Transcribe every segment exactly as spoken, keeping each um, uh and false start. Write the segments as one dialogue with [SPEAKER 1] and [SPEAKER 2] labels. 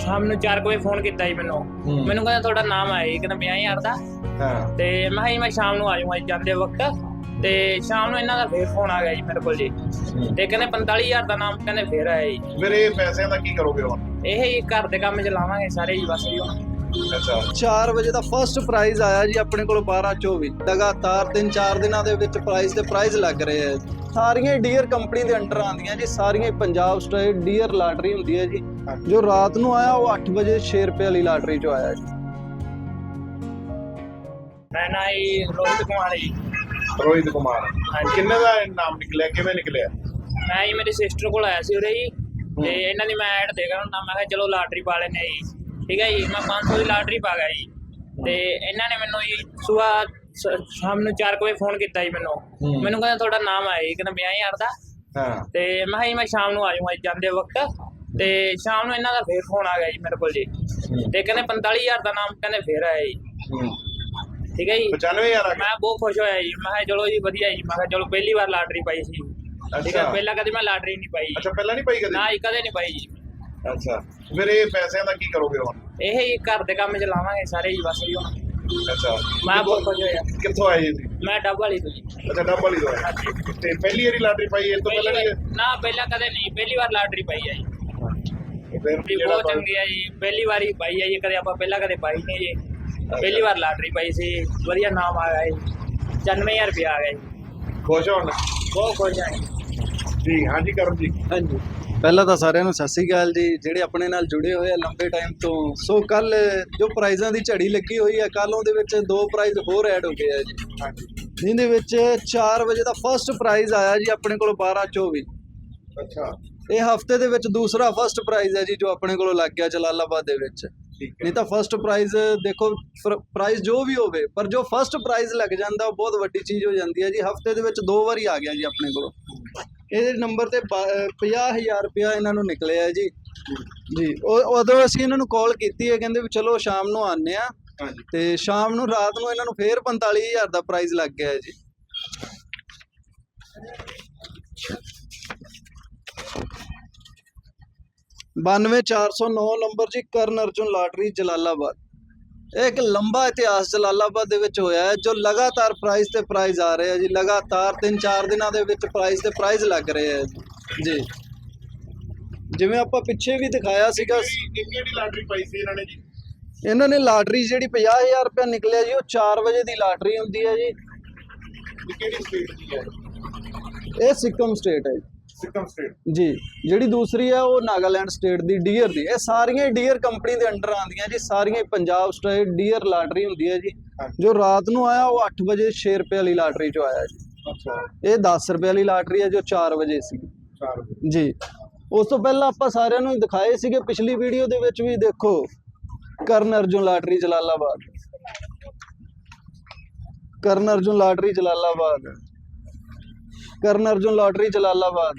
[SPEAKER 1] ਸ਼ਾਮ ਨੂੰ ਚਾਰ ਵਜੇ ਫੋਨ ਕੀਤਾ ਜੀ ਮੈਨੂੰ ਮੈਨੂੰ ਕਹਿੰਦਾ ਤੁਹਾਡਾ ਨਾਮ ਆਇਆ ਜੀ, ਕਹਿੰਦਾ ਪੰਜਾਹ ਹਜ਼ਾਰ ਦਾ।
[SPEAKER 2] ਹਾਂ
[SPEAKER 1] ਤੇ ਮੈਂ ਕਿਹਾ ਜੀ ਮੈਂ ਸ਼ਾਮ ਨੂੰ ਆ ਜਾਊਂਗਾ ਜਾਂਦੇ ਵਕਤ। ਤੇ ਸ਼ਾਮ ਨੂੰ ਇਹਨਾਂ ਦਾ ਫੇਰ ਫੋਨ ਆ ਗਿਆ ਜੀ ਮੇਰੇ ਕੋਲ ਜੀ, ਤੇ ਕਹਿੰਦੇ ਪੰਤਾਲੀ ਹਜ਼ਾਰ ਦਾ ਨਾਮ ਕਹਿੰਦੇ ਫੇਰ ਆਇਆ ਜੀ।
[SPEAKER 2] ਫਿਰ ਇਹ ਪੈਸਿਆਂ ਦਾ ਕੀ ਕਰੋਗੇ ਹੁਣ?
[SPEAKER 1] ਇਹ ਹੀ ਘਰ ਦੇ ਕੰਮ ਚ ਲਾਵਾਂਗੇ ਸਾਰੇ ਜੀ ਬਸ ਜੀ ਹੁਣ।
[SPEAKER 2] ਅੱਛਾ
[SPEAKER 3] ਚਾਰ ਵਜੇ ਦਾ ਫਸਟ ਪ੍ਰਾਈਜ਼ ਆਇਆ ਜੀ ਆਪਣੇ ਕੋਲ ਬਾਰਾਂ ਚੌਵੀ। ਲਗਾਤਾਰ ਤਿੰਨ ਚਾਰ ਦਿਨਾਂ ਦੇ ਵਿੱਚ ਪ੍ਰਾਈਜ਼ ਤੇ ਪ੍ਰਾਈਜ਼ ਲੱਗ ਰਹੇ ਆ। ਸਾਰੀਆਂ ਡੀਅਰ ਕੰਪਨੀ ਦੇ ਅੰਡਰ ਆਉਂਦੀਆਂ ਜੀ, ਸਾਰੀਆਂ ਪੰਜਾਬ ਸਟੇਟ ਡੀਅਰ ਲਾਟਰੀ ਹੁੰਦੀ ਹੈ ਜੀ। ਜੋ ਰਾਤ ਨੂੰ ਆਇਆ ਉਹ ਅੱਠ ਵਜੇ ਛੇ ਰੁਪਏ ਵਾਲੀ ਲਾਟਰੀ ਚੋਂ ਆਇਆ ਜੀ।
[SPEAKER 1] ਮੈਂ ਨਾ ਜੀ ਰੋਹਿਤ ਕੁਮਾਰ ਜੀ।
[SPEAKER 2] ਰੋਹਿਤ ਕੁਮਾਰ
[SPEAKER 1] ਹਾਂਜੀ।
[SPEAKER 2] ਕਿੰਨੇ ਦਾ ਨਾਮ ਨਿਕਲਿਆ, ਕਿਵੇਂ ਨਿਕਲਿਆ?
[SPEAKER 1] ਮੈਂ ਜੀ ਮੇਰੀ ਸਿਸਟਰ ਕੋਲ ਆਇਆ ਸੀ ਉਰੇ ਜੀ, ਤੇ ਇਹਨਾਂ ਦੀ ਮੈਂ ਐਡ ਦੇਖਾ ਹੁੰਦਾ, ਮੈਂ ਕਿਹਾ ਚਲੋ ਲਾਟਰੀ ਪਾ ਲੈਂਦੇ ਜੀ। ਠੀਕ ਹੈ ਜੀ, ਮੈਂ ਪੰਜ ਸੌ ਦੀ ਲਾਟਰੀ ਪਾ ਗਿਆ ਜੀ। ਤੇ ਇਹਨਾਂ ਨੇ ਮੈਨੂੰ ਜੀ ਸੁਬਾਹ ਸ਼ਾਮ ਨੂੰ ਚਾਰ ਵਜੇ ਫੋਨ ਕੀਤਾ ਜੀ ਮੈਨੂੰ ਮੈਨੂੰ ਕਹਿੰਦਾ ਤੁਹਾਡਾ ਨਾਮ ਆਇਆ ਜੀ, ਕਹਿੰਦਾ ਪੰਜਾਹ ਹਜ਼ਾਰ ਦਾ।
[SPEAKER 2] ਹਾਂ
[SPEAKER 1] ਤੇ ਮੈਂ ਕਿਹਾ ਜੀ ਮੈਂ ਸ਼ਾਮ ਨੂੰ ਆ ਜਾਊਂਗਾ ਜਾਂਦੇ ਵਕਤ। ਤੇ ਸ਼ਾਮ ਨੂੰ ਇਹਨਾਂ ਦਾ ਫੇਰ ਫੋਨ ਆ ਗਿਆ ਜੀ ਮੇਰੇ ਕੋਲ ਜੀ, ਤੇ ਕਹਿੰਦੇ ਪੰਤਾਲੀ ਹਜ਼ਾਰ ਦਾ ਨਾਮ ਕਹਿੰਦੇ ਫੇਰ ਆਇਆ ਜੀ। ਠੀਕ ਹੈ ਜੀ,
[SPEAKER 2] ਪਚਾਨਵੇਂ ਹਜ਼ਾਰ ਆ ਗਿਆ।
[SPEAKER 1] ਮੈਂ ਬਹੁਤ ਖੁਸ਼ ਹੋਇਆ ਜੀ। ਮੈਂ ਕਿਹਾ ਚਲੋ ਜੀ ਵਧੀਆ ਜੀ, ਮੈਂ ਕਿਹਾ ਚਲੋ ਪਹਿਲੀ ਵਾਰ ਲਾਟਰੀ ਪਾਈ ਸੀ। ਠੀਕ ਹੈ, ਪਹਿਲਾਂ ਕਦੇ ਮੈਂ ਲਾਟਰੀ ਨਹੀਂ ਪਾਈ।
[SPEAKER 2] ਅੱਛਾ ਪਹਿਲਾਂ ਨਹੀਂ ਪਾਈ ਕਦੇ?
[SPEAKER 1] ਨਾ ਜੀ ਕਦੇ ਨਹੀਂ ਪਾਈ ਜੀ।
[SPEAKER 2] ਅੱਛਾ ਫਿਰ ਇਹ ਪੈਸਿਆਂ ਦਾ ਕੀ ਕਰੋਗੇ ਹੁਣ?
[SPEAKER 1] ਇਹ ਹੀ ਘਰ ਦੇ ਕੰਮ ਚ ਲਾਵਾਂਗੇ ਸਾਰੇ ਜੀ ਬਸ ਜੀ ਹੁਣ।
[SPEAKER 2] ਅੱਛਾ
[SPEAKER 1] ਮੈਂ ਬਹੁਤ ਖੁਸ਼ ਹੋਇਆ।
[SPEAKER 2] ਕਿੱਥੋਂ ਆਏ ਜੀ?
[SPEAKER 1] ਮੈਂ ਡੱਬ ਵਾਲੀ ਤੋਂ ਜੀ।
[SPEAKER 2] ਅੱਛਾ ਡੱਬ ਵਾਲੀ ਤੋਂ ਆਏ। ਤੇ ਪਹਿਲੀ ਵਾਰੀ ਲਾਟਰੀ ਪਾਈ ਇਸ ਤੋਂ ਪਹਿਲਾਂ
[SPEAKER 1] ਪਹਿਲੀ
[SPEAKER 2] ਨਹੀਂ?
[SPEAKER 1] ਵਾਰ- ਨਾ ਪਹਿਲਾਂ ਕਦੇ ਨਹੀਂ, ਪਹਿਲੀ ਵਾਰ ਲਾਟਰੀ ਪਾਈ ਹੈ ਜੀ।
[SPEAKER 2] ਫਿਰ
[SPEAKER 1] ਜੀ
[SPEAKER 2] ਜਿਹੜਾ
[SPEAKER 1] ਬਹੁਤ ਚੰਗੀ ਹੈ ਜੀ, ਪਹਿਲੀ ਵਾਰੀ ਪਾਈ ਹੈ ਜੀ, ਕਦੇ ਆਪਾਂ ਪਹਿਲਾਂ ਕਦੇ ਪਾਈ ਨਹੀਂ ਜੀ। ਪਹਿਲੀ ਵਾਰ ਲਾਟਰੀ ਪਾਈ ਸੀ, ਵਧੀਆ ਨਾਮ ਆ ਗਿਆ ਜੀ, ਪਚਾਨਵੇਂ ਹਜ਼ਾਰ ਰੁਪਇਆ ਆ ਗਿਆ ਜੀ।
[SPEAKER 2] ਖੁਸ਼ ਹੋਣ?
[SPEAKER 1] ਬਹੁਤ ਖੁਸ਼ ਹਾਂ
[SPEAKER 2] ਜੀ ਹਾਂਜੀ ਕਰਨ ਜੀ।
[SPEAKER 3] ਹਾਂਜੀ, ਪਹਿਲਾਂ ਤਾਂ ਸਾਰਿਆਂ ਨੂੰ ਸਤਿ ਸ੍ਰੀ ਅਕਾਲ ਜੀ, ਜਿਹੜੇ ਆਪਣੇ ਨਾਲ ਜੁੜੇ ਹੋਏ ਆ ਲੰਬੇ ਟਾਈਮ ਤੋਂ। ਸੋ ਕੱਲ ਜੋ ਪ੍ਰਾਈਜ਼ਾਂ ਦੀ ਝੜੀ ਲੱਗੀ ਹੋਈ ਹੈ, ਕੱਲ ਉਹਦੇ ਵਿੱਚ ਦੋ ਪ੍ਰਾਈਜ਼ ਹੋਰ ਐਡ ਹੋ ਗਏ ਆ ਜੀ।
[SPEAKER 2] ਹਾਂਜੀ
[SPEAKER 3] ਜਿਹਦੇ ਵਿੱਚ ਚਾਰ ਵਜੇ ਦਾ ਫਸਟ ਪ੍ਰਾਈਜ਼ ਆਇਆ ਜੀ ਆਪਣੇ ਕੋਲ ਬਾਰਾਂ ਚੌਵੀ।
[SPEAKER 2] ਅੱਛਾ
[SPEAKER 3] ਇਹ ਹਫਤੇ ਦੇ ਵਿੱਚ ਦੂਸਰਾ ਫਸਟ ਪ੍ਰਾਈਜ਼ ਹੈ ਜੀ ਜੋ ਆਪਣੇ ਕੋਲੋਂ ਲੱਗ ਗਿਆ ਜਲਾਲਾਬਾਦ ਦੇ ਵਿੱਚ।
[SPEAKER 2] ਠੀਕ ਹੈ।
[SPEAKER 3] ਨਹੀਂ ਤਾਂ ਫਸਟ ਪ੍ਰਾਈਜ਼ ਦੇਖੋ, ਪ੍ਰਾਈਜ਼ ਜੋ ਵੀ ਹੋਵੇ, ਪਰ ਜੋ ਫਸਟ ਪ੍ਰਾਈਜ਼ ਲੱਗ ਜਾਂਦਾ ਉਹ ਬਹੁਤ ਵੱਡੀ ਚੀਜ਼ ਹੋ ਜਾਂਦੀ ਹੈ ਜੀ। ਹਫਤੇ ਦੇ ਵਿੱਚ ਦੋ ਵਾਰੀ ਆ ਗਿਆ ਜੀ ਆਪਣੇ ਕੋਲੋਂ। ਇਹਦੇ ਨੰਬਰ ਤੇ ਪੰਜਾਹ ਹਜ਼ਾਰ ਰੁਪਇਆ ਇਹਨਾਂ ਨੂੰ ਨਿਕਲਿਆ ਜੀ। ਜੀ ਉਹ ਉਦੋਂ ਅਸੀਂ ਇਹਨਾਂ ਨੂੰ ਕਾਲ ਕੀਤੀ ਹੈ, ਕਹਿੰਦੇ ਵੀ ਚਲੋ ਸ਼ਾਮ ਨੂੰ ਆਉਂਦੇ ਆ।
[SPEAKER 2] ਹਾਂਜੀ
[SPEAKER 3] ਤੇ ਸ਼ਾਮ ਨੂੰ ਰਾਤ ਨੂੰ ਇਹਨਾਂ ਨੂੰ ਫੇਰ ਪੰਤਾਲੀ ਹਜ਼ਾਰ ਦਾ ਪ੍ਰਾਈਜ਼ ਲੱਗ ਗਿਆ ਹੈ ਜੀ। ਬਾਨਵੇਂ ਚਾਰ ਸੌ ਨੌ ਨੰਬਰ ਜੀ, ਕਰਨ ਅਰਜੁਨ ਲਾਟਰੀ ਜਲਾਲਾਬਾਦ। ਇਹ ਇੱਕ ਲੰਬਾ ਇਤਿਹਾਸ ਜਲਾਲਾਬਾਦ ਦੇ ਵਿੱਚ ਹੋਇਆ ਹੈ, ਜੋ ਲਗਾਤਾਰ ਪ੍ਰਾਈਜ਼ ਤੇ ਪ੍ਰਾਈਜ਼ ਆ ਰਹੇ ਆ ਜੀ। ਲਗਾਤਾਰ ਤਿੰਨ ਚਾਰ ਦਿਨਾਂ ਦੇ ਵਿੱਚ ਪ੍ਰਾਈਜ਼ ਤੇ ਪ੍ਰਾਈਜ਼ ਲੱਗ ਰਹੇ ਆ ਜੀ। ਜਿਵੇਂ ਆਪਾਂ ਪਿੱਛੇ ਵੀ ਦਿਖਾਇਆ ਸੀਗਾ,
[SPEAKER 2] ਕਿਹੜੀ ਲਾਟਰੀ ਪਾਈ ਸੀ ਇਹਨਾਂ ਨੇ ਜੀ?
[SPEAKER 3] ਇਹਨਾਂ ਨੇ ਲਾਟਰੀ ਜਿਹੜੀ ਪੰਜਾਹ ਹਜ਼ਾਰ ਰੁਪਇਆ ਨਿਕਲਿਆ ਜੀ, ਉਹ ਚਾਰ ਵਜੇ ਦੀ ਲਾਟਰੀ ਹੁੰਦੀ ਹੈ ਜੀ।
[SPEAKER 2] ਕਿਹੜੀ ਸਟੇਟ ਦੀ ਹੈ?
[SPEAKER 3] ਇਹ ਸਿੱਕਮ ਸਟੇਟ ਹੈ ਜੀ।
[SPEAKER 2] ਸਿੱਕਮ ਸਟੇਟ
[SPEAKER 3] ਜੀ ਜਿਹੜੀ ਦੂਸਰੀ ਹੈ ਉਹ ਨਾਗਾਲੈਂਡ ਸਟੇਟ ਦੀ ਡੀਅਰ ਦੀ। ਇਹ ਸਾਰੀਆਂ ਡੀਅਰ ਕੰਪਨੀ ਦੇ ਅੰਡਰ ਆਉਂਦੀਆਂ ਜੀ, ਸਾਰੀਆਂ ਪੰਜਾਬ ਸਟੇਟ ਡੀਅਰ ਲਾਟਰੀ ਹੁੰਦੀ ਹੈ ਜੀ। ਜੋ ਰਾਤ ਨੂੰ ਆਇਆ ਉਹ ਅੱਠ ਵਜੇ ਛੇ ਰੁਪਏ ਵਾਲੀ ਲਾਟਰੀ ਚੋਂ ਆਇਆ ਜੀ।
[SPEAKER 2] ਅੱਛਾ
[SPEAKER 3] ਇਹ ਦਸ ਰੁਪਏ ਵਾਲੀ ਲਾਟਰੀ ਹੈ ਜੋ ਚਾਰ ਵਜੇ ਸੀ
[SPEAKER 2] ਚਾਰ
[SPEAKER 3] ਜੀ। ਉਸ ਤੋਂ ਪਹਿਲਾਂ ਆਪਾਂ ਸਾਰਿਆਂ ਨੂੰ ਦਿਖਾਏ ਸੀਗੇ ਪਿਛਲੀ ਵੀਡੀਓ ਦੇ ਵਿੱਚ ਵੀ, ਦੇਖੋ ਕਰਨ ਅਰਜੁਨ ਲਾਟਰੀ ਜਲਾਲਾਬਾਦ। ਕਰਨ ਅਰਜੁਨ ਲਾਟਰੀ ਜਲਾਲਾਬਾਦ। ਕਰਨ ਅਰਜੁਨ ਲਾਟਰੀ ਜਲਾਲਾਬਾਦ।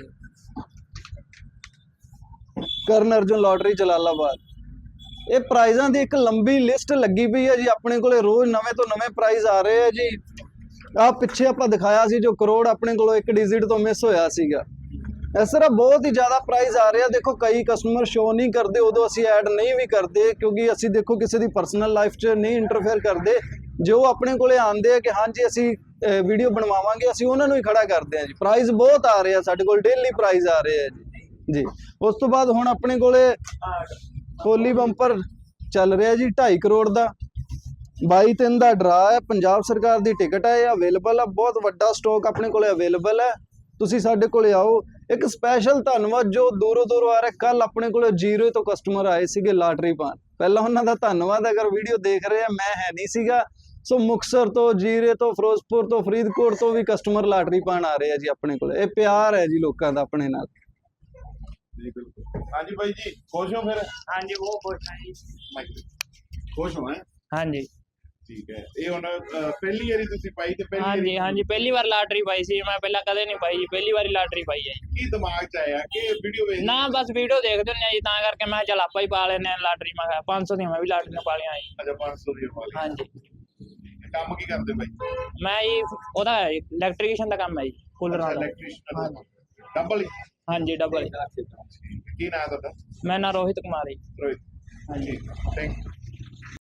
[SPEAKER 3] ਕਰਨ ਅਰਜੁਨ ਲਾਟਰੀ ਜਲਾਲਾਬਾਦ। ਇਹ ਪ੍ਰਾਈਜ਼ਾਂ ਦੀ ਇੱਕ ਲੰਬੀ ਲਿਸਟ ਲੱਗੀ ਪਈ ਹੈ ਜੀ ਆਪਣੇ ਕੋਲੇ। ਰੋਜ਼ ਨਵੇਂ ਤੋਂ ਨਵੇਂ ਪ੍ਰਾਈਜ਼ ਆ ਰਹੇ ਆ ਜੀ। ਆਹ ਪਿੱਛੇ ਆਪਾਂ ਦਿਖਾਇਆ ਸੀ ਜੋ ਕਰੋੜ ਆਪਣੇ ਕੋਲੋਂ ਇੱਕ ਡਿਜਿਟ ਤੋਂ ਮਿਸ ਹੋਇਆ ਸੀਗਾ। ਇਸ ਤਰ੍ਹਾਂ ਬਹੁਤ ਹੀ ਜ਼ਿਆਦਾ ਪ੍ਰਾਈਜ਼ ਆ ਰਹੇ ਆ। ਦੇਖੋ ਕਈ ਕਸਟਮਰ ਸ਼ੋ ਨਹੀਂ ਕਰਦੇ, ਉਦੋਂ ਅਸੀਂ ਐਡ ਨਹੀਂ ਵੀ ਕਰਦੇ, ਕਿਉਂਕਿ ਅਸੀਂ ਦੇਖੋ ਕਿਸੇ ਦੀ ਪਰਸਨਲ ਲਾਈਫ 'ਚ ਨਹੀਂ ਇੰਟਰਫੇਅਰ ਕਰਦੇ। ਜੋ ਆਪਣੇ ਕੋਲੇ ਆਉਂਦੇ ਆ ਕਿ ਹਾਂਜੀ ਅਸੀਂ ਵੀਡੀਓ ਬਣਵਾਵਾਂਗੇ, ਅਸੀਂ ਉਹਨਾਂ ਨੂੰ ਹੀ ਖੜਾ ਕਰਦੇ ਆ ਜੀ। ਪ੍ਰਾਈਜ਼ ਬਹੁਤ ਆ ਰਹੇ ਆ ਸਾਡੇ ਕੋਲ, ਡੇਲੀ ਪ੍ਰਾਈਜ਼ ਆ ਰਹੇ ਆ ਜੀ ਜੀ ਉਸ ਤੋਂ ਬਾਅਦ ਹੁਣ ਆਪਣੇ ਕੋਲੇ ਹੋਲੀ ਬੰਪਰ ਚੱਲ ਰਿਹਾ ਜੀ ਢਾਈ ਕਰੋੜ ਦਾ। ਬਾਈ ਤਿੰਨ ਦਾ ਡਰਾ ਹੈ, ਪੰਜਾਬ ਸਰਕਾਰ ਦੀ ਟਿਕਟ ਹੈ, ਇਹ ਅਵੇਲੇਬਲ ਆ। ਬਹੁਤ ਵੱਡਾ ਸਟਾਕ ਆਪਣੇ ਕੋਲੇ ਅਵੇਲੇਬਲ ਹੈ, ਤੁਸੀਂ ਸਾਡੇ ਕੋਲੇ ਆਓ। ਇੱਕ ਸਪੈਸ਼ਲ ਧੰਨਵਾਦ ਜੋ ਦੂਰੋਂ ਦੂਰੋਂ ਆ ਰਿਹਾ। ਕੱਲ ਆਪਣੇ ਕੋਲੇ ਜੀਰੋ ਤੋਂ ਕਸਟਮਰ ਆਏ ਸੀਗੇ ਲਾਟਰੀ ਪਾਉਣ, ਪਹਿਲਾਂ ਉਹਨਾਂ ਦਾ ਧੰਨਵਾਦ। ਅਗਰ ਵੀਡੀਓ ਦੇਖ ਰਹੇ ਆ, ਮੈਂ ਹੈ ਨਹੀਂ ਸੀਗਾ। ਸੋ ਮੁਕਤਸਰ ਤੋਂ, ਜੀਰੇ ਤੋਂ, ਫਿਰੋਜ਼ਪੁਰ ਤੋਂ, ਫਰੀਦਕੋਟ ਤੋਂ ਵੀ ਕਸਟਮਰ ਲਾਟਰੀ ਪਾਉਣ ਆ ਰਹੇ ਆ ਜੀ ਆਪਣੇ ਕੋਲੇ। ਇਹ ਪਿਆਰ ਹੈ ਜੀ ਲੋਕਾਂ ਦਾ ਆਪਣੇ ਨਾਲ
[SPEAKER 2] ਜੀ। ਬਿਲਕੁਲ ਹਾਂਜੀ ਬਾਈ ਜੀ, ਖੁਸ਼ ਹੋ ਫਿਰ?
[SPEAKER 1] ਹਾਂਜੀ ਬਹੁਤ ਖੁਸ਼ ਹਾਂ ਜੀ।
[SPEAKER 2] ਖੁਸ਼ ਹੋ? ਹੈ
[SPEAKER 1] ਹਾਂਜੀ
[SPEAKER 2] ਠੀਕ ਹੈ। ਇਹ ਹੁਣ ਪਹਿਲੀ ਵਾਰੀ ਤੁਸੀਂ ਪਾਈ ਤੇ ਪਹਿਲੀ
[SPEAKER 1] ਹਾਂਜੀ
[SPEAKER 2] ਵਾਰੀ
[SPEAKER 1] ਹਾਂਜੀ ਪਹਿਲੀ ਵਾਰ ਲਾਟਰੀ ਪਾਈ ਸੀ ਮੈਂ, ਪਹਿਲਾਂ ਕਦੇ ਨਹੀਂ ਪਾਈ ਜੀ, ਪਹਿਲੀ ਵਾਰੀ ਲਾਟਰੀ ਪਾਈ ਹੈ ਜੀ।
[SPEAKER 2] ਕੀ ਦਿਮਾਗ 'ਚ ਆਇਆ ਕਿ ਵੀਡੀਓ ਵੇਖ?
[SPEAKER 1] ਨਾ ਬਸ ਵੀਡੀਓ ਦੇਖਦੇ ਹੁੰਦੇ ਆ ਜੀ, ਤਾਂ ਕਰਕੇ ਮੈਂ ਚੱਲ ਆਪਾਂ ਹੀ ਪਾ ਲੈਨੇ ਆ ਲਾਟਰੀ। ਮੈਂ ਕਿਹਾ ਪੰਜ ਸੌ ਦੀਆਂ ਮੈਂ ਵੀ ਲਾਟਰੀਆਂ ਪਾ ਲਿਆ ਜੀ।
[SPEAKER 2] ਅੱਛਾ ਪੰਜ ਸੌ ਦੀ ਵਾਲੀ।
[SPEAKER 1] ਹਾਂਜੀ
[SPEAKER 2] ਕੰਮ ਕੀ ਕਰਦੇ ਬਾਈ?
[SPEAKER 1] ਮੈਂ ਜੀ ਉਹਦਾ ਇਲੈਕਟ੍ਰੀਸ਼ੀਅਨ ਦਾ ਕੰਮ ਹੈ ਜੀ, ਕੂਲਰ ਵਾਲਾ।
[SPEAKER 2] ਇਲੈਕਟ੍ਰੀਸ਼ੀਅਨ
[SPEAKER 1] ਹਾਂਜੀ
[SPEAKER 2] ਡਬਲ?
[SPEAKER 1] ਹਾਂਜੀ ਡਬਲ।
[SPEAKER 2] ਕੀ ਨਾਮ ਤੁਹਾਡਾ?
[SPEAKER 1] ਮੈਂ ਨਾ ਰੋਹਿਤ ਕੁਮਾਰ ਜੀ।
[SPEAKER 2] ਰੋਹਿਤ ਹਾਂਜੀ, ਥੈਂਕ